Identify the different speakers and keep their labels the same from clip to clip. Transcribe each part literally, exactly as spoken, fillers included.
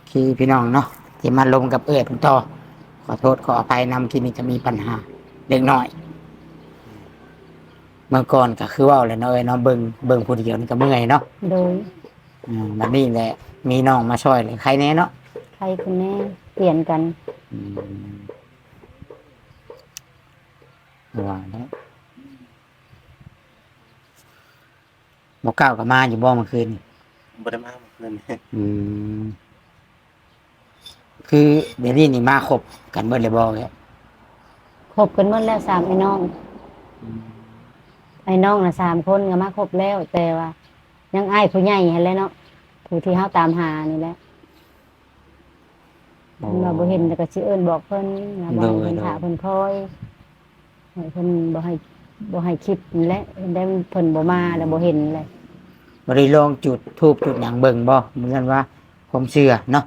Speaker 1: ที่พี่น้องเนาะที่มาลมกับเอื้อยผมต่อขอโทษขออภัยนำที่นี่จะมีปัญหาเล็กน้อยเมื่อก่อนก็คือว่าแหละเนาะเอ้ยเนาะเบิ่งเบิ่งผู้เดียวนี่ก็เมื่อยเนาะ
Speaker 2: โดย
Speaker 1: อืมแบบนี้แหละมีน้องมาช่วยเลยใครแน่เนาะ
Speaker 2: ใครคนแน่เปลี่ยนกัน
Speaker 1: อืมว่าแล้วบ่ก้าวก็มาอยู่บ่เมื่อคืนนี่
Speaker 3: บ่ได้มาเมื่อคืนนี้
Speaker 1: อืมคือเดี๋ยวนี้นี่มาครบกันเบิดเลยบ่แก
Speaker 2: คบกันหมดแล้วสามไอ้น้องไอ้น้องน่ะสามคนก็มาครบแล้ว แต่ว่ายังอ้ายผู้ใหญ่หั่นแหละเนาะผู้ที่เฮาตามหานี่แหละเราบ่เห็นแต่ก็สิเอิ้นบอกเพิ่นว่าบ่ให้เพิ่นถาเพิ่นคอยให้เพิ่นบ่ให้บ่ให้คิดนี่แหละได้เพิ่นบ่มาแล้วบ่เห็นเลย
Speaker 1: บ่ได้ลองจุดธูปจุดหยังเบิ่งบ่เหมือนกันว่าผมเชื่อเนาะ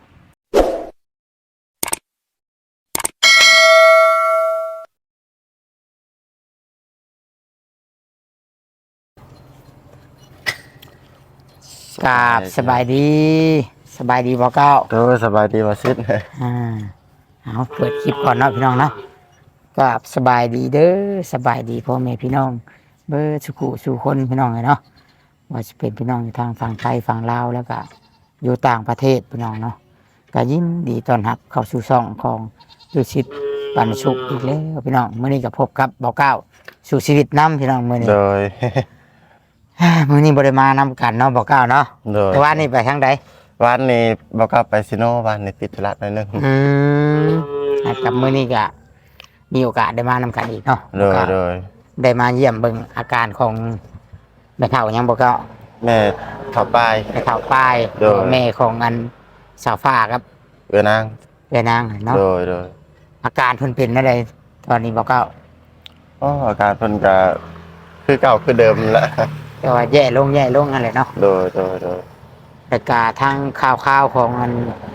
Speaker 1: กราบสบายดีสบายดีบ่เก้า
Speaker 3: โดยสบายดีว่าซิด
Speaker 1: อ่าเอาเปิดคลิปก่อนเนาะพี่น้องเนาะกราบสบายดีเด้อสบายดีพ่อแม่พี่น้องเบอร์สุขุสู่คนพี่น้องเลยเนาะว่าจะเป็นพี่น้องอยู่ทางฝั่งไทยฝั่งลาวแล้วก็อยู่ต่างประเทศพี่น้องเนาะก็ยินดีต้อนรับเข้าสู่ช่องของดูชิดปันสุขอีกแล้วพี่น้องมื้อนี้ก็พบกับบ่เก้าสู่ชีวิตน้ำพี่น้องมื้อนี้
Speaker 3: โดย
Speaker 1: มื้อนี้บ่ได้มานำกันเนาะบ่เก้าเนาะ
Speaker 3: โดย
Speaker 1: แต่ว่านี่ไปทางใด
Speaker 3: วันนี้บ่กลับไปซิโนวันนี้ติดธุระหน่อยนึง
Speaker 1: อืมกับมื้อนี้ก็มีโอกาสได้มานำกันอีกเนาะ
Speaker 3: โดยโดย
Speaker 1: ได้มาเยี่ยมเบิ่งอาการของแม่เฒ่ายังบ่เก้า
Speaker 3: แม่เข้าไป
Speaker 1: แม่เฒ่าป้ายแม่ของอันสาวฟ้าครับ
Speaker 3: เอื้อนาง
Speaker 1: เอื้อนางเนาะ
Speaker 3: โดยโดย
Speaker 1: อาการเพิ่นเป็นจังไดตอนนี้บ่เก้า
Speaker 3: อ๋ออาการเพิ่นก็คือเก่าคือเดิมแหละ
Speaker 1: แต่ว่าแย่ลงแย่ลงนั่นแหละเนาะ
Speaker 3: โดยโดยโดย
Speaker 1: แล้วก็ทางข่าวๆของอัน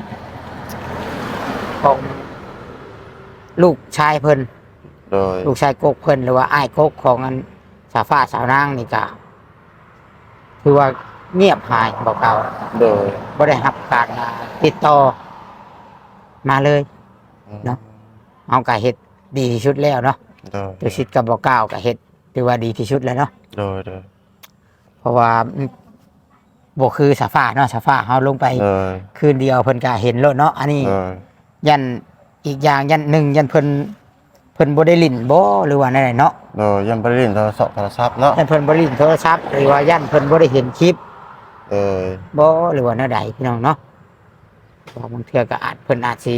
Speaker 1: ของลูกชายเพิ่น
Speaker 3: โดย
Speaker 1: ลูกชายกกเพิ่นหรือว่าอ้ายกกของอันสาวฟ้าสาวนางนี่ก็คือว่าเงียบหายบ่เก่า
Speaker 3: โดย
Speaker 1: บ่ได้รับการติดต่อมาเลยเนาะเอาก็เฮ็ดดีที่สุดแล้วเนาะ
Speaker 3: โดย
Speaker 1: ตัวชิดกับบ่เก้าก็เฮ็ดถือว่าดีที่สุดแล้วเนาะ
Speaker 3: โดยโดย
Speaker 1: เพราะว่าบ่คือสาฟ้าเนาะสาฟ้าเฮาลงไปคืนเดียวเพิ่นก็เห็นแล้วเนาะอันนี้ยันอีกอย่างยันหนึ่งยันเพิ่นเพิ่นบ่ได้ลิ้นบ่หรือว่าไหนๆเนาะ
Speaker 3: โดยยันบ่ได้ลิ้นโทรศัพท์โทรศัพท์เนาะ
Speaker 1: ยันเพิ่นบ่ได้ลิ้นโทรศัพท์หรือว่ายันเพิ่นบ่ได้เห็นคลิป
Speaker 3: เออ
Speaker 1: บ่หรือว่าแนวใดพี่น้องเนาะเพราะบางเทื่อก็อาจเพิ่นอาจสิ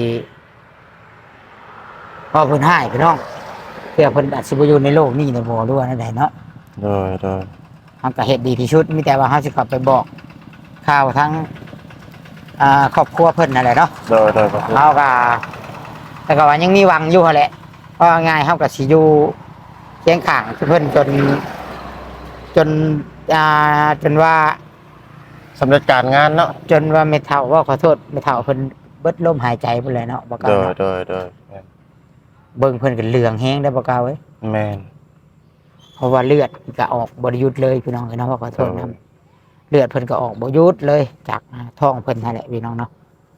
Speaker 1: พอเพิ่นหายพี่น้องเทื่อเพิ่นอาจสิบ่อยู่ในโลกนี้ในบ่หรือว่าแนวใดเนาะ
Speaker 3: โดยโดย
Speaker 1: เฮาก็เฮ็ดดีที่สุดมีแต่ว่าเฮาสิเข้าไปบอกข่าวทั้งอ่าครอบครัวเพิ่นนั่นแหละเนาะ
Speaker 3: โดยโดย
Speaker 1: เฮาก็แต่ก็ว่ายังมีหวังอยู่แหละเพราะง่ายเฮาก็สิอยู่เคียงข้างเพิ่นจนจนอ่าจนว่า
Speaker 3: สำเร็จการงานเนาะ
Speaker 1: จนว่าไม่เท่าว่าขอโทษไม่เท่าเพิ่นเบิดลมหายใจไปเลยเนาะบ่กล้า
Speaker 3: โดยโดยโดย
Speaker 1: เบิ่งเพิ่นก็เหลืองแห้งได้บ่กล้าเว้ย
Speaker 3: แม่น
Speaker 1: เพราะว่าเลือดก็ออกบ่ได้หยุดเลยพี่น้องเอ้ยเนาะขอโทษนะเลือดเพิ่นก็ออกบ่หยุดเลยจากท้องเพิ่นนั่นแหละพี่น้องเนาะ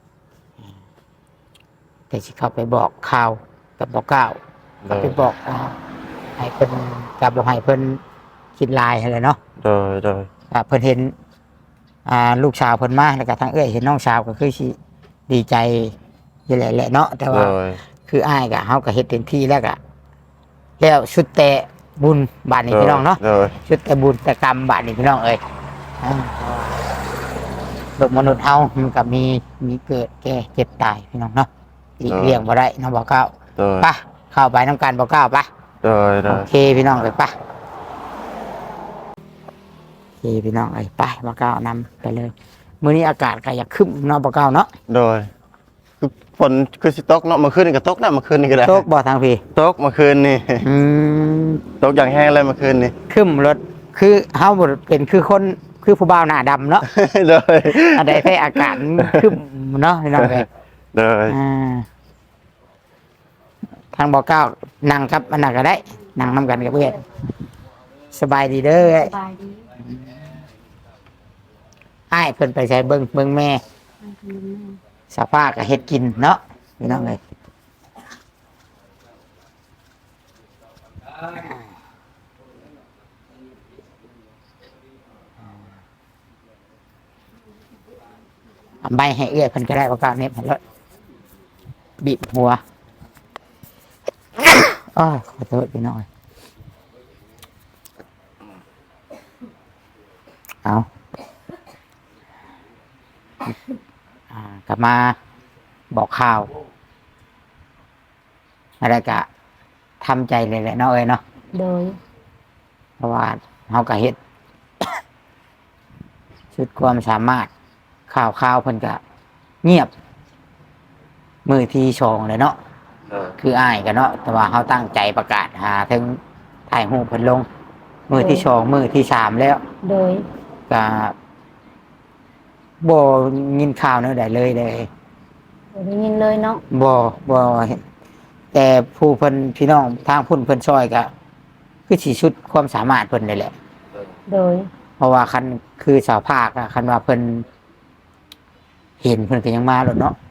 Speaker 1: แต่สิเข้าไปบอกข่าวกับบ่กล้าก็ไปบอกให้เพิ่นกับบ่ให้เพิ่นคิดลายอะไรเนาะ
Speaker 3: โดยโดย
Speaker 1: อ่าเพิ่นเห็นอ่าลูกสาวเพิ่นมาแล้วก็ทางเอ้ยเห็นน้องสาวก็คือสิดีใจอยู่แหละเนาะแต่ว่าคืออ้ายก็เฮาก็เฮ็ดเต็มที่แล้วก็แล้วชุดแต่บุญบาดนี้พี่น้องเนาะชุดแต่บุญแต่กรรมบาดนี้พี่น้องเอ้ยโลกมนุษย์เฮามันก็มีมีเกิดแก่เจ็บตายพี่น้องเนาะหลีกเลี่ยงบ่ได้เนาะบ่ก้าวไปเข้าไปนำกันบ่ก้าวไปโอเคพี่น้องเอ้ยไปโอเคพี่น้องเอ้ยไปบ่ก้าวนำไปเลยมื้อนี้อากาศก็อยากคึ้มเนาะบ่ก้าวเนาะ
Speaker 3: โดยคือฝนคือสิตกเนาะเมื่อคืนนี่ก็ตกนะเมื่อคืนนี่ก็ได้
Speaker 1: ตกบ่ทางพี่
Speaker 3: ตกเมื่อคืนนี่
Speaker 1: อืม
Speaker 3: ตกอย่างแห้งเลยเมื่อคืนนี่
Speaker 1: คึ้มรถคือเฮาบ่เป็นคือคนคือผู้บ่าวหน้าดำเนาะ
Speaker 3: โดย
Speaker 1: อันใดแท้อากาศคึ้มเนาะพี่น้องเอ้ย
Speaker 3: โดย
Speaker 1: อ่าทางบ่ก้าวนั่งครับอันนั้นก็ได้นั่งนำกันกับเพื่อนสบายดีเด้อ
Speaker 2: สบายดี
Speaker 1: อ้ายเพิ่นไปใช้เบิ่งเบิ่งแม่สภาพก็เฮ็ดกินเนาะพี่น้องเอ้ยเอาใบให้เอื้อยเพิ่นก็ได้โอกาสนี้เพิ่นเลยบีบหัวอ้าวขอโทษพี่น้องเอ้ยเอาอ่ากลับมาบอกข่าวอะไรกะทำใจเลยแหละเนาะเอ้ยเนาะ
Speaker 2: โดย
Speaker 1: เพราะว่าเฮาก็เฮ็ด ชุดความสามารถข่าวข่าวเพิ่นก็เงียบ มือที่ชองเลยเนาะ
Speaker 3: เออ
Speaker 1: คืออ้ายกันเนาะแต่ว่าเฮาตั้งใจประกาศหาถึงถ่ายรูปเพิ่นลง มือที่ชองมือที่สามแล้ว
Speaker 2: โดย
Speaker 1: ก็บ่ยินข่าวแนวใดเลยเลย
Speaker 2: บ่ได้ยินเลยเนาะ
Speaker 1: บ่บ่เห็นแต่ผู้เพิ่นพี่น้องทางพุ่นเพิ่นช่วยก็คือสิชุดความสามารถเพิ่นนี่แหละ
Speaker 2: โดย
Speaker 1: เพราะว่าคันคือสาวภาคอะคันว่าเพิ่นเห็นเพิ่นก็ยังมาแล้วเนาะ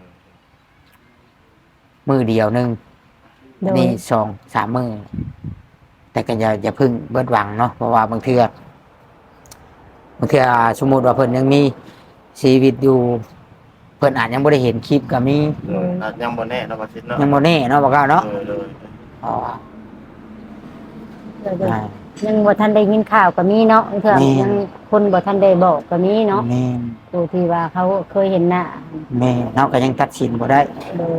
Speaker 1: มือเดียวหนึง
Speaker 2: โด
Speaker 1: อัน
Speaker 2: ย
Speaker 1: นี้สองสามมือแต่ก็อย่าอย่าเพึ่งเบิดหวังเนาะเพราะว่าบางเทื่อบางเทื่อสมมุติว่าเพิ่นยังมีชีวิตอยู่เพิ่นอาจยังบ่ได้เห็นคลิปก็มี
Speaker 3: เอออาจยังบ่แน่เนาะว่าสิเนาะ
Speaker 1: ยังบ่แน่เนาะบ่กล้าเนาะ
Speaker 3: เออเลย
Speaker 1: อ๋อ
Speaker 2: โดยโดย
Speaker 1: อ่า
Speaker 2: ยังบ่ทันได้ยินข่าวก็มีเนาะเถื่อ
Speaker 1: แม่น
Speaker 2: ยังคนบ่ทันได้บอกก็มีเนาะ
Speaker 1: แม่น
Speaker 2: ผู้ที่ว่าเขาเคยเห็นหน้า
Speaker 1: แม่นเนาะก็ยังตัดสินบ่ได้
Speaker 2: โดย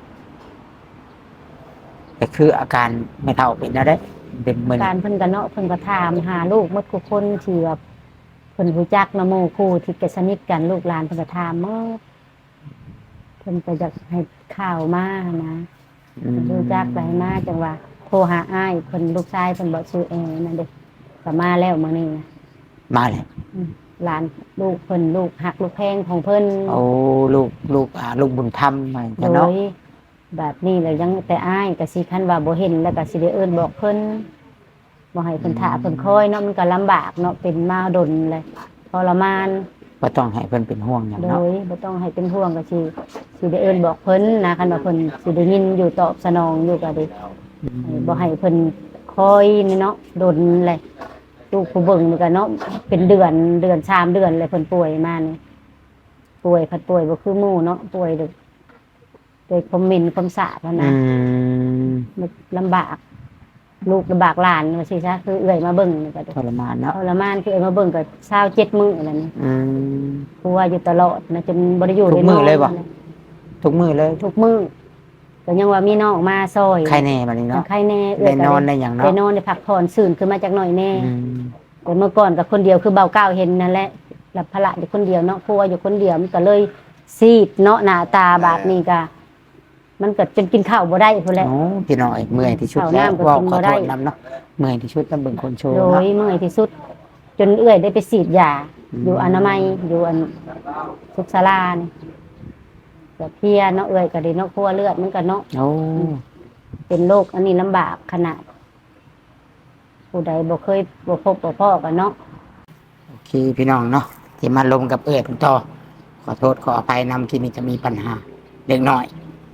Speaker 1: แต่คืออาการไม่เท่าเป็นนะได้เป็นเหมือน
Speaker 2: การเพิ่นก็เนาะเพิ่นก็ถามหาลูกหมดทุกคนที่ว่าเพิ่นรู้จักนะหมู่คู่ที่ก็สนิทกันลูกหลานเพิ่นก็ถามหมดเพิ่นก็อยากให้ข่าวมานะ
Speaker 1: อืม
Speaker 2: รู้จักไปมาจังว่าโทรหาอ้ายเพิ่นลูกชายเพิ่นบ่ชื่อแอนั่นเด้ก็มาแล้วมื้อนี้นะ
Speaker 1: มาเลย
Speaker 2: อืมหลานลูกเพิ่นลูกหักลูกแพงของเพิ่น
Speaker 1: โอ้ลูกลูกอ่าลูกบุญธรรมมา
Speaker 2: โด
Speaker 1: จะเนาะ
Speaker 2: ยแบบนี้เลยยังแต่อ้ายก็สิคันว่าบ่เห็นแล้วก็สิได้เอิ้นบอกเพิ่นบ่ให้เพิ่นท่าเพิ่นคอยเนาะมันก็ลำบากเนาะเป็นมาดนเลยทรมาน
Speaker 1: ก็ต้องให้เพิ่นเป็นห่วงอย่าง
Speaker 2: โด
Speaker 1: เนาะ
Speaker 2: ยบ่ต้องให้เป็นห่วงก็สิสิได้เอิ้นบอกเพิ่นนะคันว่าเพิ่นสิได้ยินอยู่ตอบสนองอยู่ก็ได้
Speaker 1: อืม
Speaker 2: บ่ให้เพิ่นคอยนี่เนาะดนเลยลูกผู้เบิ่งนี่ก็เนาะเป็นเดือนเดือนสามเดือนเลยเพิ่นป่วยมานี่ป่วยพัดป่วยบ่คือหมู่เนาะป่วยด้วยด้วยความเหม็นความสาบอะ
Speaker 1: อื
Speaker 2: นะ
Speaker 1: ม
Speaker 2: มันลำบาก ลูกลำบากหลานว่าสิซะคือเอื้อยมาเบิ่งนี่ก็
Speaker 1: ทรมานเนาะ
Speaker 2: ทรมานคือเอื้อยมาเบิ่งก็เช้าเจ็ดมื้อแล้วนี่
Speaker 1: อืม
Speaker 2: กลัวอยู่ตลอดนะจนบ่ได้อยู่
Speaker 1: ทุก
Speaker 2: ได้น
Speaker 1: มื้
Speaker 2: อ
Speaker 1: อน เลยบ่ ทุกมือเลย
Speaker 2: ทุกมื้อก็ยังว่ามีน้องมาซอย
Speaker 1: ใครแน่บัดนี้เนาะ
Speaker 2: ใครแน่เอื้
Speaker 1: ได้
Speaker 2: อย
Speaker 1: น
Speaker 2: ก็
Speaker 1: อนได้อย่าง
Speaker 2: ได้
Speaker 1: เนาะ
Speaker 2: นอนได้พักผ่อนซื่นขึ้นมาจากหน่อยแน่
Speaker 1: อืม
Speaker 2: แต่เมื่อก่อนกับคนเดียวคือเบาเก้าวเห็นนั่นแหละหลับพละอยู่คนเดียวเนาะครัวอยู่คนเดียวมันก็เลยซีดเนาะหน้าตาบาดนี้ก็มันก็จนกินข้าวบ่ได้พุ่นแหละ
Speaker 1: โอ้พี่น้อยเมื่อยที่สุด
Speaker 2: ข้าว
Speaker 1: แล้ว
Speaker 2: น้ำก็
Speaker 1: เว้า
Speaker 2: กิน
Speaker 1: ขอ
Speaker 2: บ่
Speaker 1: โท
Speaker 2: ได้
Speaker 1: ษนำเนาะเมื่อยที่สุดต้องเบิ่งคนโชว์
Speaker 2: โด
Speaker 1: เนาะ
Speaker 2: ยเมื่อยที่สุด จนเอื้อยได้ไปฉีดยา
Speaker 1: อืม
Speaker 2: อยู่อนามัยอยู่อันสุขศาลานี่แบบเพลียเนาะเอื้อยก็ได้เนาะครัวเลือดมันก็เนาะ
Speaker 1: โอ้
Speaker 2: เป็นโรคอันนี้ลำบากขนาด ผู้ใดบ่เคยบ่พบบ่พ้อกันเนาะ
Speaker 1: โอเคพี่น้องเนาะที่มาลงกับเอื้อยเพิ่นต่อขอโทษขออภัยนำที่นี่จะมีปัญหาเล็กน้อย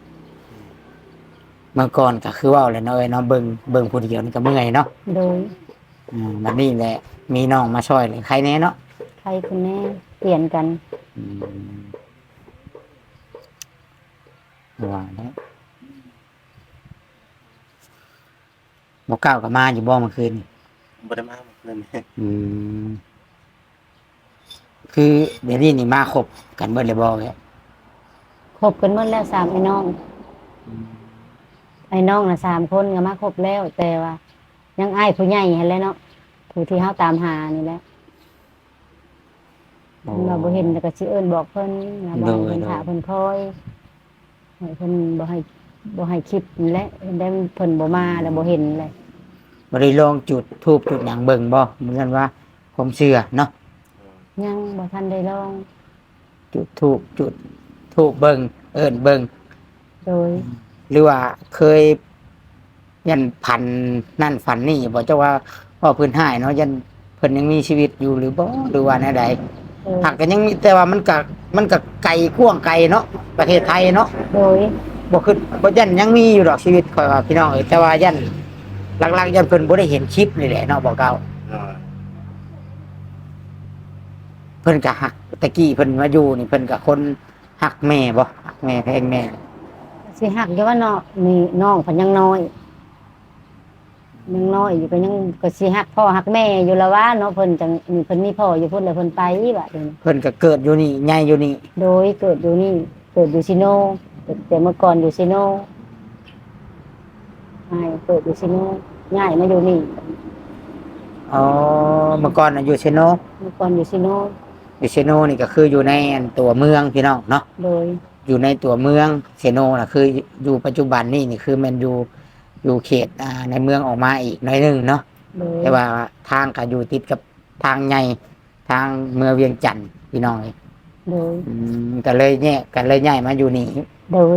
Speaker 1: เมื่อก่อนก็คือเว่าแหละเนาะเอ้ยเนาะเบิ่งเบิ่งผู้เดียวนี่ก็เมื่อยเนาะ
Speaker 2: โดย
Speaker 1: อืมบัดนี้แหละมีน้องมาช่วยเลยใครแน่เนาะ
Speaker 2: ใครคนแน่เปลี่ยนกัน
Speaker 1: อืมว่าแล้วบ่ก้าวก็มาอยู่บ่เมื่อคืนนี่
Speaker 3: บ่ได้มาเมื่อคืนนี้
Speaker 1: อืมคือเดี๋ยวนี้นี่มาครบกันเบิดเลยบ่แก
Speaker 2: คบกันหมดแล้วสามไอ้น้อง ไอ้น้องน่ะสามคนก็มาครบแล้ว แต่ว่า ยังอ้ายผู้ใหญ่เห็นแล้วเนาะผู้ที่เฮาตามหานี่แหละ
Speaker 1: โอ้
Speaker 2: เราบ่เห็นแล้วก็สิเอิ้นบอกเพิ่นนะบ่ให้เพิ่น
Speaker 1: โดย
Speaker 2: ถาเพิ่นคอยให้เพิ่นบ่ให้บ่ให้คิดนี่แหละได้เพิ่นบ่มาแล้วบ่เห็นเลย
Speaker 1: บ่ได้ลองจุดทูบจุดหยังเบิ่งบ่เหมือนกันว่าผมเชื่อเนาะ
Speaker 2: ยังบ่ทันได้ลอง
Speaker 1: จุดทูบจุดทูบเบิ่งเอิ้นเบิ่ง
Speaker 2: โดย
Speaker 1: หรือว่าเคยยันพันนั่นฝันนี่บอกเจ้าว่าพ่อเพื้นหายเนาะยันเพิ่นยังมีชีวิตอยู่หรือบ่หรือว่าแนวใด
Speaker 2: เออ
Speaker 1: หักก็ยังมีแต่ว่ามันก็มันก็ไกลกว้างไกลเนาะประเทศไทยเนาะ
Speaker 2: โดย
Speaker 1: บ่คือบ่ยันยังมีอยู่ดอกชีวิตข่อยว่าพี่น้องเอ้ยแต่ว่ายันหลักๆยันเพิ่นบ่ได้เห็นคลิปนี่แหละเนาะบ่เก่า
Speaker 3: โดย
Speaker 1: เพิ่นก็หักตะกี้เพิ่นมาอยู่นี่เพิ่นก็คนหักแม่บ่หักแม่แพงแม่
Speaker 2: สิหักอยู่ว่าเนาะนี่น้องเพิ่นยังน้อยยังน้อยอยู่ก็ยังก็สิหักพ่อหักแม่อยู่แล้วว่าเนาะเพิ่นจังนี่เพิ่นมีพ่ออยู่พุ่นแล้วเพิ่นไปบัดนี้
Speaker 1: เพิ่นก็เกิดอยู่นี่ใหญ่อยู่นี่
Speaker 2: โดยเกิดอยู่นี่เกิดอยู่ซิโนแต่เมื่อก่อนอยู่ซิโนใช่เกิดอยู่ซิโนง่ายมาอยู่นี่
Speaker 1: อ๋อเมื่อก่อนน่ะอยู่เชโน
Speaker 2: เมื่อก่อนอยู่ซิโน
Speaker 1: อยู่เชโนนี่ก็คืออยู่ในอันตัวเมืองพี่น้องเนาะ
Speaker 2: โดย
Speaker 1: อยู่ในตัวเมืองเชโนน่ะคืออยู่ปัจจุบันนี่นี่คือมันอยู่อยู่เขตอ่าในเมืองออกมาอีกหน่อยหนึงเนาะ
Speaker 2: โดย
Speaker 1: แต่ว่าทางก็อยู่ติดกับทางใหญ่ทางเมืองเวียงจันทน์พี่น้องเอ้ย
Speaker 2: โดย
Speaker 1: อืมก็เลยเนี่ยก็เลยย้ายมาอยู่นี่
Speaker 2: โดย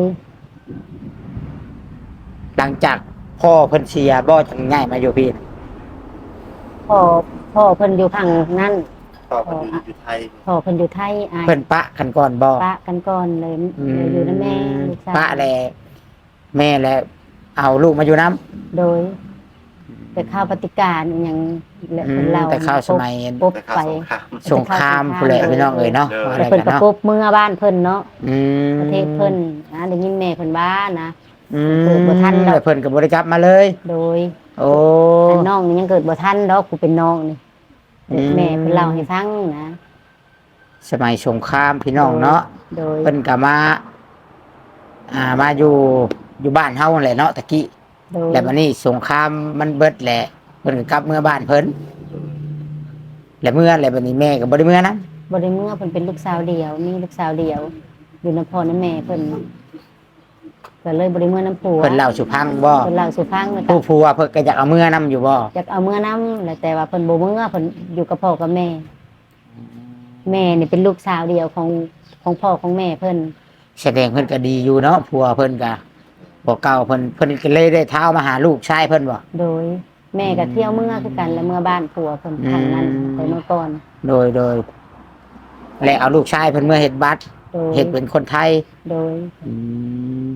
Speaker 1: หลังจากพ่อเพิ่นเสียบ่จังย้ายมาอยู่พี่
Speaker 2: พ่อพ่อเพิ่นอยู่พังนั่น
Speaker 3: พ่อเพิ่นอยู่อยู่ไทย
Speaker 2: พ่อเพิ่นอยู่ไทยอาย
Speaker 1: เพิ่นปะกันก่อนบ่
Speaker 2: ปะกันก่อนเลยเลยอยู่นำแม่ลูกสาว
Speaker 1: ปะแลแม่แลเอาลูกมาอยู่น้
Speaker 2: โดย แต่ข้าวปฏิการอหยังและ
Speaker 1: ำอื
Speaker 2: เพิ่น
Speaker 1: ม
Speaker 2: เล่า
Speaker 1: แต่ข้าวสมัย
Speaker 2: ปบ
Speaker 3: แต่ข้าว
Speaker 2: ไป
Speaker 3: สงคราม
Speaker 1: สงครามผู้นแหละพี่น้องเอ้ยเนาะ
Speaker 3: เออ
Speaker 1: ว่าอะ
Speaker 2: แต่
Speaker 1: ไร
Speaker 2: เพิ่น
Speaker 1: กัน
Speaker 2: ก็
Speaker 1: เนาะ
Speaker 2: ปบเมื่อบ้านเพิ่นเนาะ
Speaker 1: อืม
Speaker 2: ประเทศเพิ่นนะได้ยินแม่เพิ่นว่านะ
Speaker 1: อืม
Speaker 2: เกิดบ่ทันดอก
Speaker 1: แล้วเพิ่นก็บ่ได้กลับมาเลย
Speaker 2: โดย
Speaker 1: โอ้
Speaker 2: อันน้องนี่ยังเกิดบ่ทันดอกกูเป็นน้องนี่
Speaker 1: อืม
Speaker 2: แม่เพิ่นเล่าให้ฟังนะ
Speaker 1: สมัยสงครามพี่น้องเนาะ
Speaker 2: โดย
Speaker 1: เพิ่นก็มา อ่ามาอยู่อยู่บ้านเฮานั่นแหละเนาะตะกี้
Speaker 2: โดย
Speaker 1: แล้วบัดนี้สงครามมันเบิดแหละเพิ่นก็กลับเมื่อบ้านเพิ่นแล้วเมื่อแล้วบัดนี้แม่ก็บ่ได้เมื่อนะ
Speaker 2: บ่ได้เมื่อเพิ่นเป็นลูกสาวเดียวมีลูกสาวเดียว อยู่นำพ่อนำแม่เพิ่นก็เลยบ่ได้เมื่อน้ำผัว
Speaker 1: เพิ่นเล่าสู่ฟังบ่
Speaker 2: เพิ่นเล่าสู่ฟังแล้วก็
Speaker 1: ผู้ผัวเพิ่นก็อยากเอาเมื่อนํอยู่บ่
Speaker 2: อยากเอาเมื่อน้ำแล้วแต่ว่าเพิ่นบ่เมื่อเพิ่นอยู่กับพ่อกับแม่ แม่นี่เป็นลูกสาวเดียวของของพ่อของแม่เพิ่น
Speaker 1: แสดงเพิ่นก็ดีอยู่เนาะผัวเพิ่นก็บ่เก่าเพิ่นเพิ่นก็เลยได้เท้ามาหาลูกชายเพิ่นบ่
Speaker 2: โดย แม่ก็เที่ยวเมื่อคือกันแล้วเมื่อบ้านผัวเพิ่นครั้งนั้น
Speaker 1: อืม
Speaker 2: แต่เมื่อก่อน
Speaker 1: โดยโดยและเอาลูกชายเพิ่นเมื่อเฮ็ดบัตร
Speaker 2: โดย
Speaker 1: เฮ็ดเป็นคนไทย
Speaker 2: โดย
Speaker 1: อืม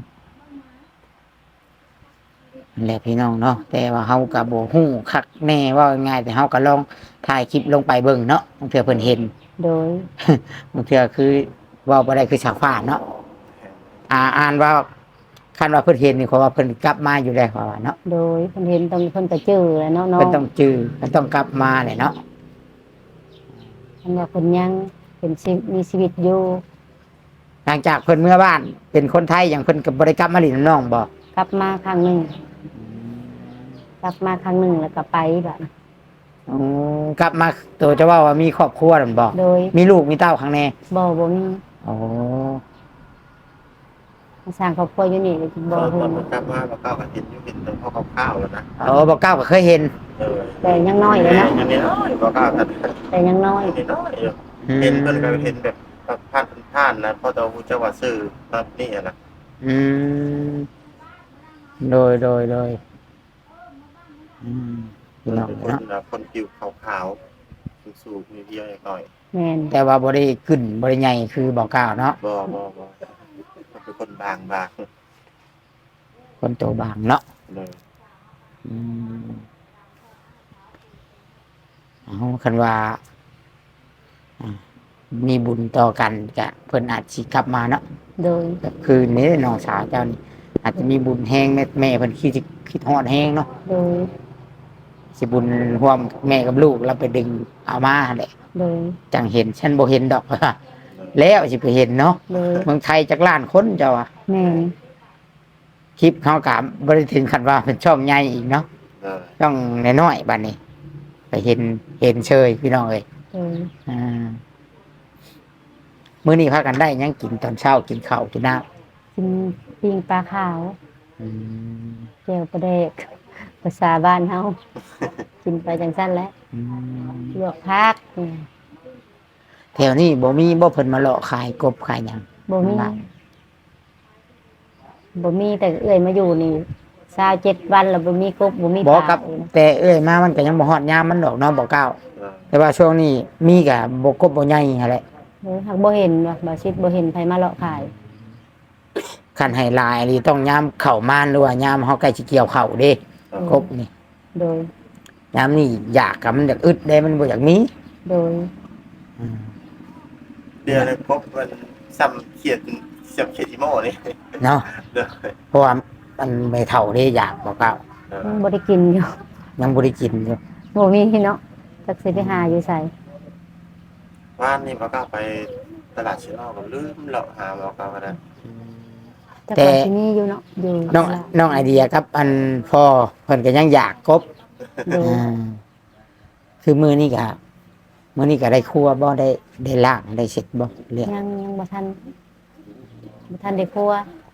Speaker 1: นั่นแหละพี่น้องเนาะแต่ว่าเฮาก็บ่ฮู้คักแน่ว่าง่ายแต่เฮาก็ลองถ่ายคลิปลงไปเบิ่งเนาะบางเทื่อเพิ่นเห็น
Speaker 2: โดย
Speaker 1: บางเทื่อคือเว้าบ่ได้คือชาวฟ้าเนาะอ่าอ่านว่าคันว่าเพิ่นเห็นนี่ขอว่าเพิ่นกลับมาอยู่แล้วขอว่าเนาะ
Speaker 2: โดยเพิ่นเห็นต้องเพิ่นก็จื้อแหล้วเนาะน้อ
Speaker 1: เพิ่น
Speaker 2: ง
Speaker 1: ต้องจื้อเพิ่นต้องกลับมาแหละเนาะ
Speaker 2: เพิ่นว่าเพิ่นยังเป็นชีวิตมีชีวิตอยู่
Speaker 1: หลังจากเพิ่นเมื่อบ้าน เป็นคนไทยอย่างเพิ่นก็บ่ได้กลับมาหลินน้องบ่
Speaker 2: กลับมาครั้งหนึงกลับมาครั้งหนึงแล้วก็ไปบัด
Speaker 1: อ๋อกลับมาตัวจะว่าว่ามีครอบครัวนั่นบ่
Speaker 2: โดย
Speaker 1: มีลูกมีเต้าข้างใน
Speaker 2: บ่บ่มี
Speaker 1: อ๋อ
Speaker 2: มาสร้างครอบครัวอยู่นี่เลยบ่
Speaker 3: ตอน
Speaker 2: ฮู้
Speaker 3: มันกลับมาเราก้าวกับเห็นอยู่เห็นแต่พ่อกับข้าวแล้วนะ
Speaker 1: อ๋อบ่เก้าก็เคยเห็น
Speaker 3: เออ
Speaker 2: แต่ยังน้อยเลยเนาะ
Speaker 3: อย่างนี้น้อยบ่ก้าวกัน
Speaker 2: แต่ยังน้อย
Speaker 3: นิดน้อยอยู่เห็นเพิ่นก็เห็นแบบผ่านผ่านนะพอจะฮู้จักว่าซื้อแบบนี้อะนะ
Speaker 1: อืมโดยโดยโดยอืมพี่น้อง
Speaker 3: เป็นคน
Speaker 1: เนาะ
Speaker 3: น่ะคนผิวขาวๆสูงๆมีเพียงหน่อย
Speaker 2: แม่น
Speaker 1: แต่ว่าบ่ได้ขึ้นบ่ได้ใหญ่คือบ่เก้าเนาะ
Speaker 3: บ่บ่บ่มันเป็นคนบางบาง
Speaker 1: คนโตบางเนาะ
Speaker 3: เลย
Speaker 1: อืมเอาคันว่าอ่ามีบุญต่อกันก็เพิ่นอาจสิกลับมาเนาะ
Speaker 2: โดย
Speaker 1: แบบคือนี่น้องสาวเจ้านี่อาจจะมีบุญแห้งแม่แม่เพิ่นคิดสิคิดฮอดแห้งเนาะ
Speaker 2: โดย
Speaker 1: สิบุญร่วมแม่กับลูกเราไปดึงเอามาแหละ
Speaker 2: โดย
Speaker 1: จังเห็นฉันบ่เห็นดอก แล้วสิไปเห็นเนาะ
Speaker 2: โดย
Speaker 1: เมืองไทยจักล้านคนเจ้าอะ
Speaker 2: แม่น
Speaker 1: คลิปเขากะบ่ได้ถึงขั้นว่าเป็นช่องใหญ่อีกเนาะ
Speaker 3: เลย
Speaker 1: ช่องน้อยๆบัดนี้ ไปเห็นเห็นเชยพี่น้องเอ้ย
Speaker 2: โดย
Speaker 1: อ่ามื้อนี้พากันได้หยังกินตอนเช้ากินข้าวกินน้ำ
Speaker 2: กินปิ้งปลาขาว
Speaker 1: อืม
Speaker 2: เจียวปลาเด็กภาษาบ้านเฮา กินไปจังสั้นแหล้ว
Speaker 1: อืม
Speaker 2: ลวกพัก
Speaker 1: แถวนี้บ่มีบ่เพิ่นมาเลาะขายกบขายหยัง
Speaker 2: บ่มี
Speaker 1: บ้าน
Speaker 2: บ่มีแต่เอื้อยมาอยู่นี่เศร้าเจ็ดวันแล้วบ่มีกบบ่มี
Speaker 1: บ่
Speaker 2: ปลา
Speaker 1: กับ
Speaker 2: เลยนะ
Speaker 1: แต่เอ้ยมามันก็ยังบ่ฮอดยามมันดอกเนาะบ่เก้า
Speaker 3: เออ
Speaker 1: แต่ว่าช่วงนี้มีก็บ่กบบ่ใหญ่หั่นแหละ
Speaker 2: เออหากบ่เห็นว่าบ่ชิดบ่เห็นไผมาเลาะขาย
Speaker 1: คันให้หลายนี่ต้องยามเข้ามานหรือว่ายามเฮาใกล้สิเกี่ยวข้าวเด้
Speaker 3: เออ
Speaker 1: กบนี่
Speaker 2: โดย
Speaker 1: ยามนี้อยากกับมันอยากอึดเด้มันบ่อยากมี
Speaker 2: โดย
Speaker 1: อืม
Speaker 3: เดือนนึงครบมันซ้ำเขียดเสียบเขียดอีโม่นี่
Speaker 1: เนาะ
Speaker 3: เด้อ
Speaker 1: เพราะว่ามันไม่เท่าเด้อยากบ่เก้า
Speaker 3: เออ
Speaker 2: ยังบ่ได้กินอยู่
Speaker 1: ยังบ่ได้กินอยู่
Speaker 2: บ่มีเนาะจักสิไปหาอยู่ไส
Speaker 3: ว่านนี่บ่กล้าไปตลาดเชนอก็ลืมเลาะหาบ่กล้าก็ได้
Speaker 2: จักว่าสิมีอยู่เนาะอยู่
Speaker 1: น้องน้องไอเดียครับ อันพ่อเพิ่นก็ยังอยากกบ
Speaker 2: โดย
Speaker 1: อ่าคือมื้อนี้ก็มื้อนี้ก็ได้ครัวบ่ได้ได้ล้างได้เช็ดบ่เรียก
Speaker 2: ยังยังบ่ทันบ่ทันได้ครัว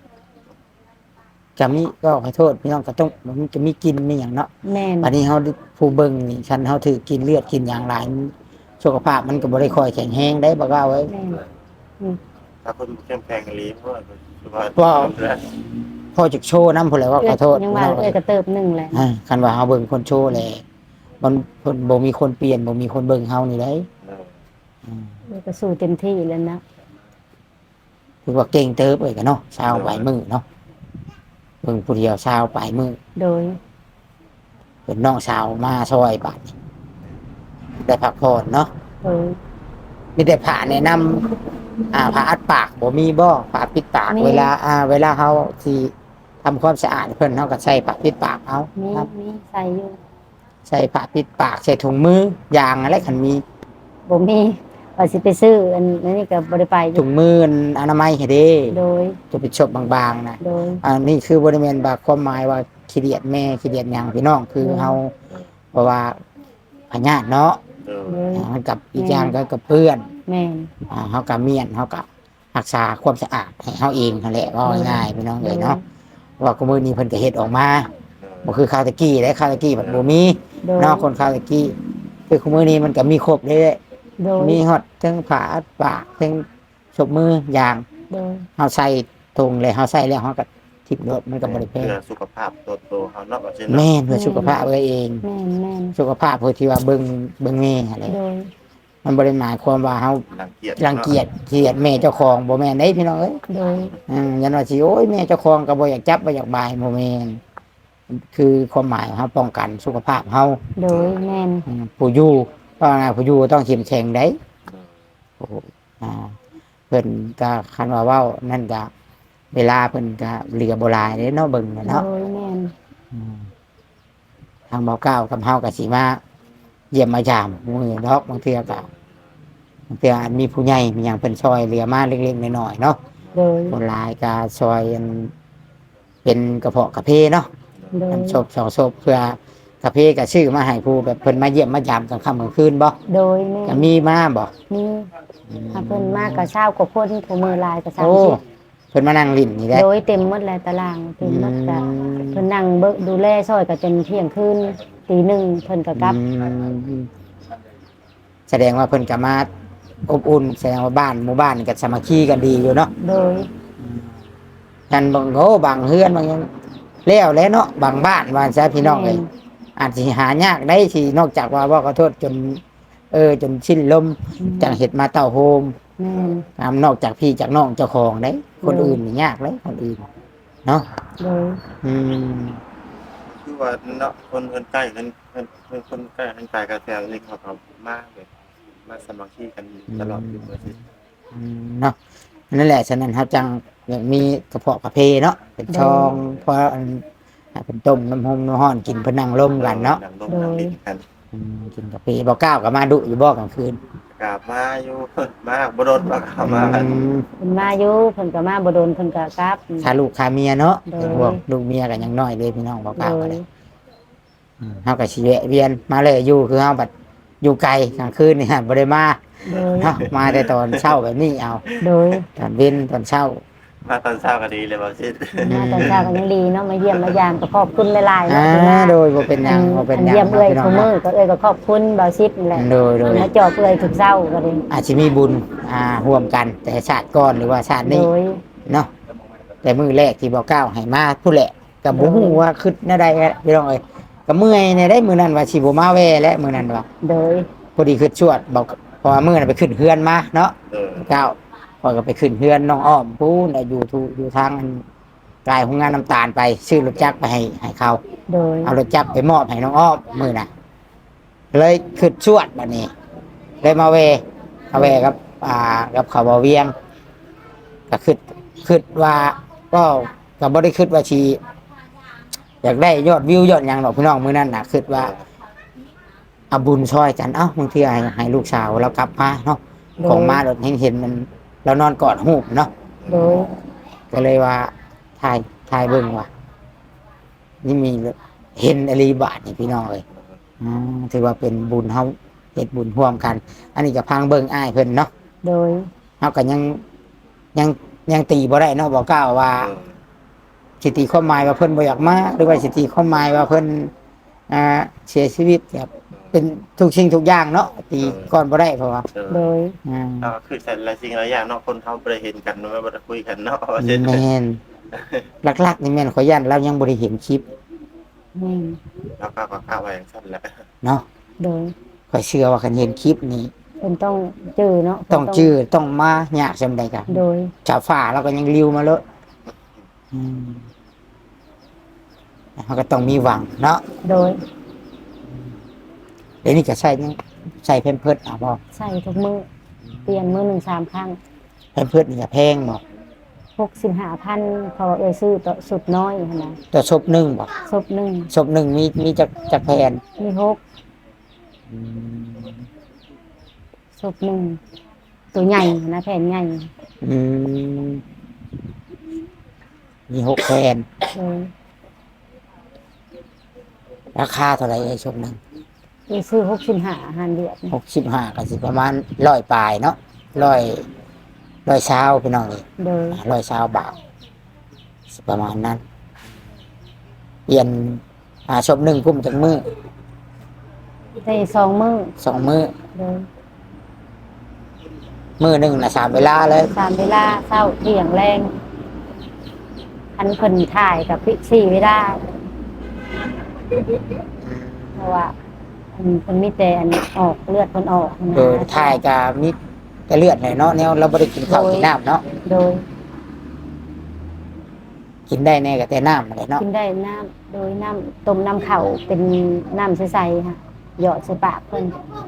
Speaker 1: จะมีก็ขอโทษพี่น้องก็ต้องมันจะมีกินมีหยังเนาะ
Speaker 2: แม่น
Speaker 1: บัดนี้เฮาผู้เบิ่งนี่คันเฮาถือกินเลือดกินหยังหลายสุขภาพมันก็บ่ได้ค่อยแข็งแรงได้บ่ว่าไว้
Speaker 2: แม่น
Speaker 3: ถ้าคนเข้มแข็งอีหลีเพราะว่าสุขภาพ
Speaker 1: ว่า พ่อจะโชว์นำพุ่นแหละว่าขอโทษ
Speaker 2: ยังว่าเอ้ยก็เติบหนึงแหละ
Speaker 1: อ่าคันว่าเฮาเบิ่งคนโชว์แหละมันเพิ่นบ่มีคนเปลี่ยนบ่มีคนเบิ่งเฮานี่ได้
Speaker 3: เออ
Speaker 1: อืม
Speaker 2: เอ้ยก็สู้เต็มที่แล้วนะ
Speaker 1: ถือว่าเก่งเติบเอ้ยก็เนาะชาวปลายมือเนาะเบิ่งผู้เดียวชาวปลายมือ
Speaker 2: โดย
Speaker 1: เป็นน้องสาวมาซอยบาดนี้ได้พักผ่อนเนาะ
Speaker 2: โดย
Speaker 1: มีแต่ผ่าแนะนำอ่าผ่าอัดปากบ่มีบ่ผ่าปิดปาก
Speaker 2: มี
Speaker 1: เวลาอ่า เวลาเฮาสิทำความสะอาดเพิ่นเฮาก็ใส่ผ้าปิดปากเอา
Speaker 2: มี
Speaker 1: ครับ
Speaker 2: มีใส่อยู่
Speaker 1: ใส่ผ้าปิดปากใส่ถุงมือยางอะไรคันมี
Speaker 2: บ่มีว่าสิไปซื้ออันนี้ก็บ่ได้ไปอ
Speaker 1: ถุ
Speaker 2: ยู่
Speaker 1: งมืออนามัยให้เด้
Speaker 2: โดย
Speaker 1: จะเป็นชบบางๆนะ
Speaker 2: โดย
Speaker 1: อันนี้คือบริเวณบาความหมายว่าขี้เดียดแม่ขี้เดียดหยังพี่น้องคือ
Speaker 2: อืม
Speaker 1: เฮาเพราะว่าพญาติเนาะ
Speaker 3: เออ
Speaker 2: โดย
Speaker 1: อ่ามันกับอีกอย่างก็กับเพื่อน
Speaker 2: แม่น
Speaker 1: อ่าเฮากับเมียนเฮากับรักษาความสะอาดให้เฮาเองนั่นแหละว่าง่ายๆพี่น้องเลยเนาะว่ากุมื้อนี้เพิ่นก็เฮ็ดออกมา
Speaker 3: เออ
Speaker 1: บ่คือข้าวตะกี้และข้าวตะกี้มันบ่มี
Speaker 2: โดย
Speaker 1: เนาะคนข้าวตะกี้คือกุมื้อนี้มันก็มีครบเลย
Speaker 2: โดย
Speaker 1: มีฮอดทั้งผ้าอัดปากทั้งชบมือยาง
Speaker 2: โดย
Speaker 1: เฮาใส่ถุงเลยเฮาใส่แล้วเฮาก็ทิ่มรถมันก็บ่ได้แพง
Speaker 3: เพื่อสุขภาพตัวโตเฮาเนาะว่าเช่น
Speaker 1: แม่
Speaker 3: เนาะ
Speaker 1: นเพื่อสุขภาพเอง
Speaker 2: แม่นแม่น
Speaker 1: สุขภาพเพื่อที่ว่าเบิ่งเบิ่งแม่อะไร
Speaker 2: โดย
Speaker 1: มันบ่ได้หมายความว่าเฮา
Speaker 3: รังเกียจ
Speaker 1: รังเกียจเกลียดแม่เจ้าของบ่แม่นเด้พี่น้องเอ้ย
Speaker 2: โดย
Speaker 1: อืมยันว่าสิโอ้ยแม่เจ้าของก็บ่อยากจับบ่อยากบายบ่แม่นคือความหมายของเฮาป้องกันสุขภาพเฮา
Speaker 2: โดยแม่น
Speaker 1: อืมผู้อยู่ว่าไงผู้อยู่ต้องเข้มแข็งได้
Speaker 3: เออ
Speaker 1: โอ้อ่าเพิ่นก็คันว่าเว้านั่นก็เวลาเพิ่นก็เหลือบ่หลายเด้เนาะเบิ่งน่ะ
Speaker 2: โด
Speaker 1: เนาะ
Speaker 2: ยแม่น
Speaker 1: อืมทางเบาเก้ากับเฮากับสีมาเยี่ยมมายามมือดอกบางเทื่อกับบางเทื่ออาจมีผู้ใหญ่มีอย่างเป็นซอยเหลือมาเล็กๆน้อยๆเนาะ
Speaker 2: โดย
Speaker 1: คนหลายก็ซอยอันเป็นกระเพาะกระเพเนาะ
Speaker 2: โดย
Speaker 1: อันศพสองศพเพื่อกระเพก็ชื่อมาให้ผู้แบบเพิ่นมาเยี่ยมมายามกลางค่ำกลางคืนบ่
Speaker 2: โดยแม่
Speaker 1: ก็
Speaker 2: น
Speaker 1: มีมาบ่
Speaker 2: มีถ้าเพิ่นมากก็เช้ากว่าคนผู้มือลายก็
Speaker 1: โอ้
Speaker 2: สามสิบ
Speaker 1: เพิ่นมานั่งลิ้นนี่แหละ
Speaker 2: โดยเต็มหมดแล้วตารางเต็มหมดก็
Speaker 1: อืม
Speaker 2: เพิ่นนั่งเบิ่งดูแลซอยก็จนเที่ยงคืนตีหนึ่งเพิ่นก็กลับ
Speaker 1: อืมแสดงว่าเพิ่นก็มาอบอุ่นแสดงว่าบ้านหมู่บ้านนี่ก็สามัคคีกันดีอยู่เนาะ
Speaker 2: โดย
Speaker 1: กันบางโอ้บางเฮือนบางหยังแล้วแหล้วเนาะบางบ้านว่าซะพี่น้องเอ้ยอาจสิหายากได้ที่นอกจากว่าว่าขอโทษจน เออ จนสิ้นลมจังเฮ็ดมาเต้าโฮม
Speaker 2: แม่น
Speaker 1: ตามนอกจากพี่จากน้องเจ้าของได้คน
Speaker 2: อืม
Speaker 1: อื่นนี่ยากเลยคนอื่นเนาะ
Speaker 2: โดย
Speaker 1: อืม
Speaker 3: คือว่าเนาะคนคนใกล้กันคนคนคนใกล้กันกายกันแถวนี้เขาก็มากเลยมาสามัคคีกันตลอดอยู่เมื่อสิ
Speaker 1: อืมเนาะนั่นแหละฉะนั้นเขาจังอยากมีกระเพาะกระเพเนาะเป็นช่องเพราะอันให้เป็นต้มน้ำหอมน้ำห้อนกินเพนนังล่มกันเนาะ
Speaker 3: ดังลมดังลิ้นกัน
Speaker 1: อืมกินกาแฟบ่ก้าวกับมาดุอยู่บ่กลางคืน
Speaker 3: กราบมาอยู่ มาบ่โดนบ่เข้ามากัน
Speaker 1: อืม
Speaker 2: เพิ่นมาอยู่เพิ่นก็มาบ่โดนเพิ่นก็กลับ
Speaker 1: ขาลูกขาเมียเนาะ
Speaker 2: โดย
Speaker 1: พวกลูกเมียกันยังน้อยเลยพี่น้องบ่
Speaker 2: โด
Speaker 1: ก้าวกัน
Speaker 2: ย
Speaker 1: เลยอืมเฮาก็สิแวะเวียนมาเลยอยู่คือเฮาบัดอยู่ไกลกลางคืนนี่ฮะบ่ได้มา
Speaker 2: โดย
Speaker 1: เนาะมาแต่ตอนเช้าแบบนี้เอา
Speaker 2: โดย
Speaker 1: ตอนเว้นตอนเช้า
Speaker 3: มาตอนเช้าก็ดีเลยบ่สิ
Speaker 2: มาตอนเช้าก็ยังดีเนาะมาเยี่ยมมายามก็ขอบคุณหลายๆ
Speaker 1: อ่า
Speaker 2: เนาะที่มา
Speaker 1: โดยบ่เป็นหยังบ่เป็นหยัง
Speaker 2: เยี่ยมเอ้ย
Speaker 1: พี่น้
Speaker 2: ทุ
Speaker 1: อง
Speaker 2: กมื้
Speaker 1: เนาะ
Speaker 2: อก็เอ้ยก็ขอบคุณบ่าวซิดนี่แหละ
Speaker 1: โดยโดย
Speaker 2: มาจอบเอ้ยทุกเช้าก็ดี
Speaker 1: อาจจะมีบุญอ่าร่วมกัน แต่ชาติก่อนหรือว่าชาติ
Speaker 2: โด
Speaker 1: นี้
Speaker 2: ย
Speaker 1: เนาะแต่มือแรกที่บอกก้าวให้มาผู้แหละไปก็บ่ฮู้ว่าคิดแนวใดแหละพี่น้องเอ้ยก็เมื่อยในได้มื้อนั้นว่าสิบ่มาแวและมื้อนั้นว่า
Speaker 2: โดย
Speaker 1: พอดีขึ้นชวดบอกเพราะว่ามื้อนั้นไปขึ้นเฮือนมาเนาะ
Speaker 3: เออ
Speaker 1: เจ้าพอยก็ไปขึ้นเฮือนน้องอ้อมพูนอยู่ทูอยู่ทางอันกลายโรงงานน้ำตาลไปซื้อรถจักรไปให้ให้เขา
Speaker 2: โดย
Speaker 1: เอารถจักรไปมอบให้น้องอ้อมมื้อน่ะเลยขึ้นชวดบัดนี้เลยมาเวมาเวกับอ่ากับเขาบ่เวียงก็คิดคิดว่าก็ก็บ่ได้คิดว่าสิอยากได้ยอดวิวยอดหยังดอกพี่น้องมื้อนั้นน่ะคิดว่าเอาบุญช่วยกันเอ้าบางทีให้ให้ลูกสาวเรากลับมาเนาะของมาเราเห็นเห็นมันเรานอนกอดหูบเนาะ
Speaker 2: โดย
Speaker 1: ก็เลยว่าถ่ายถ่ายเบิ่งว่านี่มีเห็นอรีบาทนี่พี่น้องเลยอืมถือว่าเป็นบุญเฮาเฮ็ดบุญร่วมกัน อันนี้ก็พังเบิ่งอ้ายเพิ่นเนาะ
Speaker 2: โดย
Speaker 1: เฮาก็ยังยังยังตีบ่ได้เนาะบ่กล้าว่า
Speaker 3: เออ
Speaker 1: สิตีความหมายว่าเพิ่นบ่อยากมาหรือว่าสิตีความหมายว่าเพิ่นอ่าเสียชีวิตแบบเป็นทุกสิ่งทุกอย่างเนาะตีก่อนบ่ได้เพราะว่า
Speaker 3: เออ
Speaker 2: โดย
Speaker 1: อ่า
Speaker 3: เอาคือแต่ละสิ่งหลายอย่างเนาะคนเขาบ่ได้เห็นกันไม่บ่ได้คุยกันเนาะว่าเช่น
Speaker 1: แม่นหลักๆนี่แม่นขอยยันเรายังบ่ได้เห็นคลิป
Speaker 2: แม่น
Speaker 3: แล้วก็ก็ข้าวไว้อย่างสั้นแหละ
Speaker 1: เนาะ
Speaker 2: โดย
Speaker 1: ข้อยเชื่อว่าคันเห็นคลิปนี้
Speaker 2: เพิ่นต้องจื้อเนาะ
Speaker 1: ต้องจื้อต้องมายากจังไดกัน
Speaker 2: โดย
Speaker 1: ชาวฟ้าเราก็ยังริวมาเลยอืมมันก็ต้องมีหวังเนาะ
Speaker 2: โดย
Speaker 1: เดี๋ยวนี้ก็ใส่ยังใส่เพิ่มเพิดเอาบ่
Speaker 2: ใส่ทุกมื้อเปลี่ยนมื้อหนึ่งสามครั้ง
Speaker 1: เพิ่มเพิดนี่ก็แพงบ่
Speaker 2: หกสิบห้าพันเพราะว่าเอ้ยซื้อต่อสุดน้อยหั่นนะ
Speaker 1: ตัวศพหนึ่งบ่
Speaker 2: ศพหนึ่ง
Speaker 1: ศพหนึ่งมีมีจักจักแผ่น
Speaker 2: มีหก
Speaker 1: อืม
Speaker 2: ศพหนึ่งตัวใหญ่นะแผ่นใหญ่
Speaker 1: อืมมีหกแผ่น
Speaker 2: โดย
Speaker 1: ราคาเท่าไหร่ไอ้ศพหนึ่ง
Speaker 2: เอ้ยซื้อหกสิบห้าหันเดือด
Speaker 1: หกสิบห้าก็สิประมาณร้อยปลายเนาะร้อยร้อยเช้าพี่น้องนี่
Speaker 2: โดย
Speaker 1: ร้อยเช้าบาทสิประมาณนั้นเปลี่ยนอ่าศพหนึ่งกุ้มจากมือ
Speaker 2: ได้สองมื้อ
Speaker 1: สองมือ
Speaker 2: โดย
Speaker 1: มือหนึ่งนะสามเวลาเลย
Speaker 2: สามเวลาเช้าเที่ยงแรงอันเพิ่นถ่ายกับพี่สี่เวลาเพราะว่าอันเพิ่นมีแต่อันออกเลือดเพิ่นออกนะ
Speaker 1: โดยถ่ายกับมิดกระเลือดหน่อยเนาะแนวเราไม่ได้กินข้าวกินน้ำเนาะ
Speaker 2: โดย
Speaker 1: กินได้แน่กับแต่น้ำอะไรเนาะ
Speaker 2: กินได้น้ำโดยน้ำต้มน้ำเข่าเป็นน้ำใสๆค่ะหยอดใส่ปากเพิ่น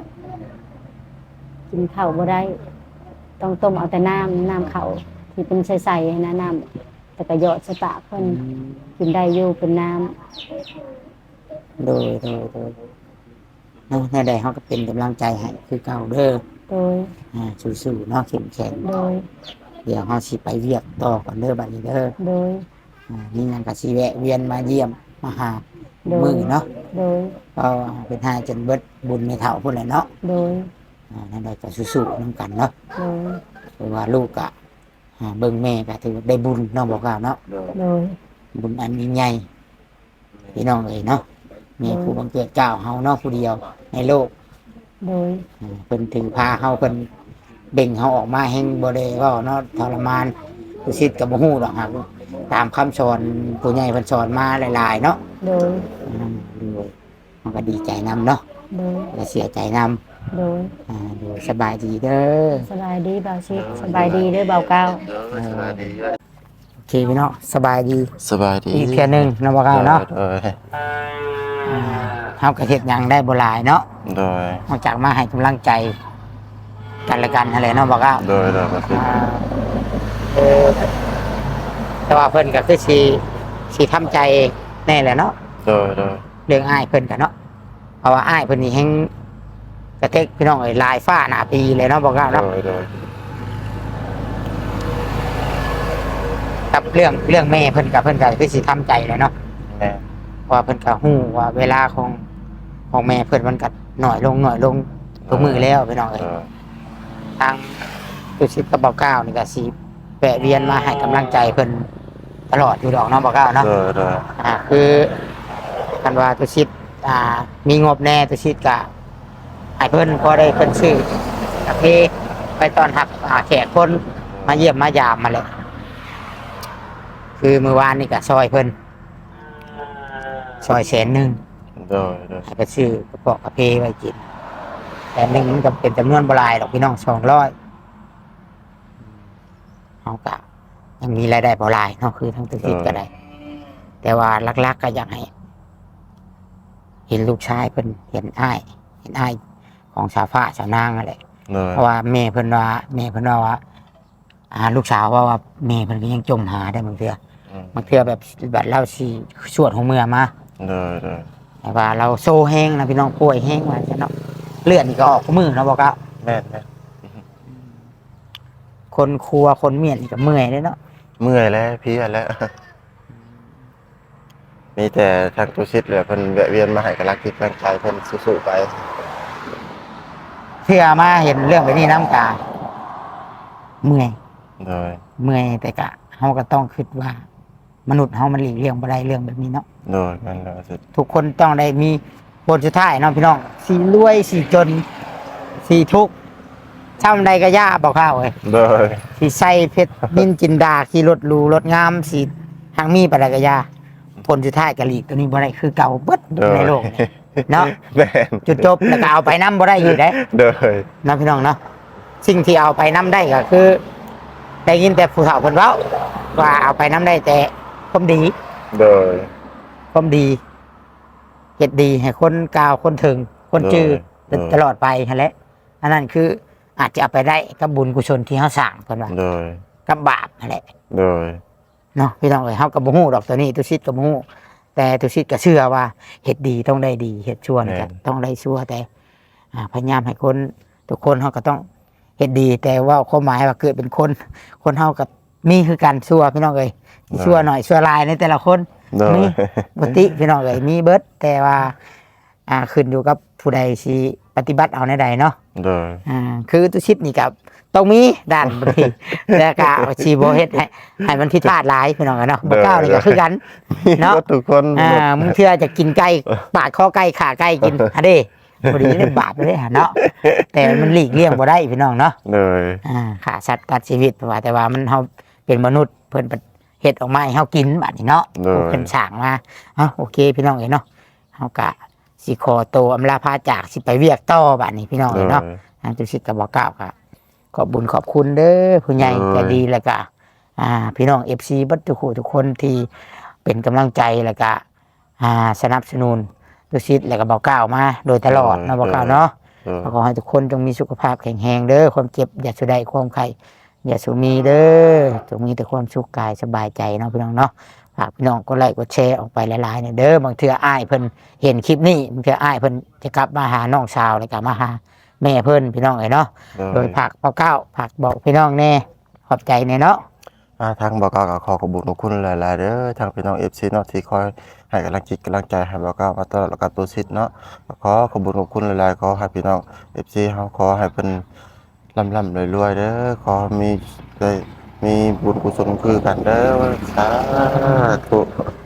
Speaker 2: กินข้าวบ่ได้ ต้องต้มเอาแต่น้ำน้ำเข่าที่เป็นใสๆนะน้ำแต่ก็หยอดใส่ปากเพิ่นกินได้อยู่เป็นน้
Speaker 1: โดยโดยโดยเนาะในใดเขาก็เป็นกำลังใจให้คือเก่าเด้อ
Speaker 2: ำโดย
Speaker 1: อ่าสู้ๆเนาะเข้มแข็ง
Speaker 2: โดย
Speaker 1: เดี๋ยวเขาสิไปเวียกต่อก่อนเด้อบัดนี้เด้อ
Speaker 2: โดย
Speaker 1: อ่านี่ยังก็สิแวะเวียนมาเยี่ยมมาหา
Speaker 2: โดย
Speaker 1: มือเนาะ
Speaker 2: โดย
Speaker 1: ก็เป็นหาจนเบิดบุญในเท่าพุ่นแหละเนาะ
Speaker 2: โดย
Speaker 1: อ่าในใดก็สู้ๆนํกันเนาะ
Speaker 2: โดย
Speaker 1: เพราะว่าลูกอะอ่าเบิ่งแม่ก็ถือว่าได้บุญเน้องบอกกล่าวเนาะ
Speaker 3: โดย
Speaker 2: โดย
Speaker 1: บุญอันยิ่งใหญ่พี่น้องเอ้ยเนาะมีผู้บังเกิดเกล้าเฮาเนาะผู้เดียวในโลก
Speaker 2: โดย
Speaker 1: อ่าเพิ่นถือพาเฮาเพิ่นเบ่งเฮาออกมาแห่งบ่ได้เว้าเนาะทรมานผู้ชิดก็บ่ฮู้ดอกครับตามคำสอนผู้ใหญ่เพิ่นสอนมาหลายๆเนาะ
Speaker 2: โดย
Speaker 1: อืมดูมันก็ดีใจนำเนาะ
Speaker 2: โดย
Speaker 1: ก็เสียใจนำ
Speaker 2: โดย
Speaker 1: อ่าดูสบายดีเด้อ
Speaker 2: สบายดีเบาชิดสบายดีเด้วยเบาเก้า
Speaker 3: เออสบายดีเว้ย
Speaker 1: โอเคพี่เนาะสบายดี
Speaker 3: สบายดี
Speaker 1: อีกเพียงหนึงเนาะบ่กล่าวเนาะ
Speaker 3: โดย
Speaker 1: อ่าเฮาก็เฮ็ดหยังได้บ่หลายเนาะ
Speaker 3: โดย
Speaker 1: นอกจากมาให้กำลังใจกันและกันนั่นแหละเนาะบอกว่า
Speaker 3: โดยโดยก็คือ
Speaker 1: อ่าเออแต่ว่าเพิ่นก็คือสิสิทำใจแน่แหละเนาะ
Speaker 3: โดยโดย
Speaker 1: เรื่องอ้ายเพิ่นกันเนาะเพราะว่าอ้ายเพิ่นนี่แฮงกระเทกพี่น้องเอ้ยลายฟ้าหน้าปีเลยเนาะบอกว่า
Speaker 3: โด
Speaker 1: เนาะ
Speaker 3: ยโดย
Speaker 1: กับเรื่องเรื่องแม่เพิ่นกับเพิ่นก็คือสิทำใจแหละเนาะ
Speaker 3: แม่
Speaker 1: เพราะว่าเพิ่นก็ฮู้ว่าเวลาของของแม่เพิ่นมันก็น้อยลงน้อยลงทุกมื้อแล้วพี่น้องเอ้ย
Speaker 3: โดย
Speaker 1: ทางตุชิตกับเบาเก้านี่ก็สีแปะเวียนมาให้กำลังใจเพิ่นตลอดอยู่ดอกเน้องเบาเก้าเนาะ
Speaker 3: โดยโดย
Speaker 1: อ่าคือกันว่าตุชิตอ่า มีงบแน่ตุชิตกะให้เพิ่นพอได้เพิ่นซื้อกาแฟไปตอนหักอ่าแขกคนมาเยี่ยมมายามมาเลยคือเมื่อวานนี่ก็ซอยเพิ่นซอยแสนหนึ่ง
Speaker 3: โดยโดย
Speaker 1: ให้ไปซื้อกระเพาะกระเพไว้กินแต่หนึ่งมันก็เป็นจำนวนบหลายดอกพี่น้องสองร้อยเอากะยังมีรายได้บ่หลายเนาะคือทั้งตัวคิดก็ได้ แต่ว่าลักๆก็อยากให้ เห็นลูกชายเพิ่นเห็นอ้ายเห็นอ้ายของสาวฟ้าสาวนางอะไร
Speaker 3: โดย
Speaker 1: เพราะว่าแม่เพิ่นว่าแม่เพิ่นว่าว่าอ่าลูกสาวว่าว่าแม่เพิ่นก็ยังจมหาได้บางเทื่อ
Speaker 3: อืม
Speaker 1: บางเทื่อแบบแบบเล่าสิสวดของเมื่อมา
Speaker 3: โดยโดย
Speaker 1: แต่ว่าเราโซ่แห้งนะพี่น้องป่วยแห้งมาจะเนาะเลือดนี่ก็ออกมือเนาะบอกว่า
Speaker 3: แม่นแม่น
Speaker 1: คนครัวคนเมียนนี่ก็เมื่อยเลยเนาะ
Speaker 3: เมื่อยแล้วเพลียแล้ว มีแต่ทางตัวชิดเหลือเพิ่นแวะเวียนมาให้กำลังคิดกำลังใจเพิ่นสู้ๆไป
Speaker 1: เพื่อมาเห็นเรื่องแบบนี้น้ำตาเมื่อย
Speaker 3: โดย
Speaker 1: เมื่อยแต่กะเฮาก็ต้องคิดว่า มนุษย์เฮามันหลีกเลี่ยงบ่ได้เรื่องแบบนี้เนาะ
Speaker 3: โดยนั่นแหละสิ
Speaker 1: ทุกคนต้องได้มีบทสุดท้ายเนาะพี่น้องสีรวยสีจนสีทุกข์ช่ำใดก็ย่าบอกข้าวเอ้ย
Speaker 3: โดย
Speaker 1: สีใส่เพชรนินจินดาสีรถหรูรถงามสีทางมีปะไรก็ย่าผลสุดท้ายกะหลีกตัวนี้บ่ได้คือเก่าเบิด
Speaker 3: โดย
Speaker 1: ในโลกนี้เนาะ
Speaker 3: แม่น
Speaker 1: จุดจบแล้วก็เอาไปน้ำบ่ได้อยู่ได้
Speaker 3: โดย
Speaker 1: นะพี่น้องเนาะสิ่งที่เอาไปน้ำได้ก็คือได้ยินแต่ผู้เฒ่าเพิ่นเว้าว่าเอาไปน้ำได้แต่ความดี
Speaker 3: โดย
Speaker 1: ความดีเฮ็ดดีให้คนกล่าวคนถึง คนจือ
Speaker 3: โดย
Speaker 1: ตลอดไปนั่นแหละอันนั้นคืออาจจะเอาไปได้กับบุญกุศลที่เฮาสร้างเพิ่นว่า
Speaker 3: โดย
Speaker 1: กับบาปนั่นแหละ
Speaker 3: โดย
Speaker 1: เนาะพี่น้องเอ้ยเฮาก็บ่ฮู้ดอกตัวนี้ตุชิดก็บ่ฮู้แต่ตุชิดก็เชื่อว่าเฮ็ดดีต้องได้ดีเฮ็ดชั่วนี่ก็ต้องได้ชั่วแต่อ่าพยายามให้คนทุกคนเฮาก็ต้องเฮ็ดดี แต่ว่าความหมายว่าเกิดเป็นคน คนเฮาก็มีคือกันชั่วพี่น้องเอ้ยชั่วหน่อยชั่วหลายในแต่ละคน
Speaker 3: โดย
Speaker 1: มีปกติพี่น้องเอ้ยมีเบิดแต่ว่า อ่าขึ้นอยู่กับผู้ใดสิปฏิบัติเอาในใดเนาะ
Speaker 3: โดย
Speaker 1: อ่าคือตุชิดนี่กับต้องมีด้านบางที แล้วก็ชีโบเฮ็ดให้ให้มันผิดพลาดหลายพี่น้องเอ้ยเนาะบ่ก้าวนี่ก็คือกัน เนาะ
Speaker 3: ทุกคน
Speaker 1: อ่ามึงเทื่อจะกินไก่ปาดคอไก่ขาไก่กินอะเด้พอดีเล่นบาปเลยเนาะแต่มันหลีกเลี่ยงบ่ได้พี่น้องเนาะ
Speaker 3: โดย
Speaker 1: อ่าขาสัตว์ตัดชีวิตว่าแต่ว่ามันเฮาเป็นมนุษย์เพิ่นเฮ็ดออกมาให้เฮากินบัดนี้เนาะ
Speaker 3: โดย
Speaker 1: เพิ่นสร้างมาเอ้าโอเคพี่น้องเอ้ยเนาะเฮากะสิขอโตวอำลาพาจากสิไปเวียกต่อบัดนี้พี่น้อง
Speaker 3: โด
Speaker 1: เอ้
Speaker 3: ย
Speaker 1: ยเนาะทางตุสิตก็บ่กล่าวค่ะขอบบุญขอบคุณเด้อผู้ใหญ่
Speaker 3: โดย
Speaker 1: ใจดีแล้วก็อ่า พี่น้อง เอฟ ซี เบัดทุกคนทุกคนที่เป็นกำลังใจแล้วก็อ่าสนับสนุนตุสิตแล้วก็บ่กล่าวมาโดยตลอดเนาะบ่กล่าวเนาะ
Speaker 3: โดย
Speaker 1: ขอให้ทุกคนจงมีสุขภาพแข็งแรงเด้อความเจ็บอย่าสุดใดความไข้อย่าสุมีเด้อจงมีแต่ความสุขกายสบายใจเนาะพี่น้องเนาะฝากพี่น้องกดไลค์กดแชร์ออกไปหลายๆเนี่ยเด้อบางเทื่ออ้ายเพิ่นเห็นคลิปนี้บางเทื่ออ้ายเพิ่นจะกลับมาหาน้องสาวแล้วก็มาหาแม่เพิ่นพี่น้องเอ้ยเนาะโดยผักเป้าเก้าผักบอกพี่น้องแน่ขอบใจแน่เนาะ
Speaker 3: อ่าทางบอกกล่าวก็ขอขอบคุณขอบคุณหลายๆเด้อทางพี่น้อง เอฟ ซี เนาะที่คอยให้กำลังจิตกำลังใจให้บอกกล่าวมาตลอดแล้วก็ตัวชิดเนาะขอขอบคุณขอบคุณหลายๆขอให้พี่น้อง เอฟ ซี เฮาขอให้เพิ่นร่ำๆรวยๆเด้อขอมีได้มีบุญกุศลคือกันเด้อสาธุ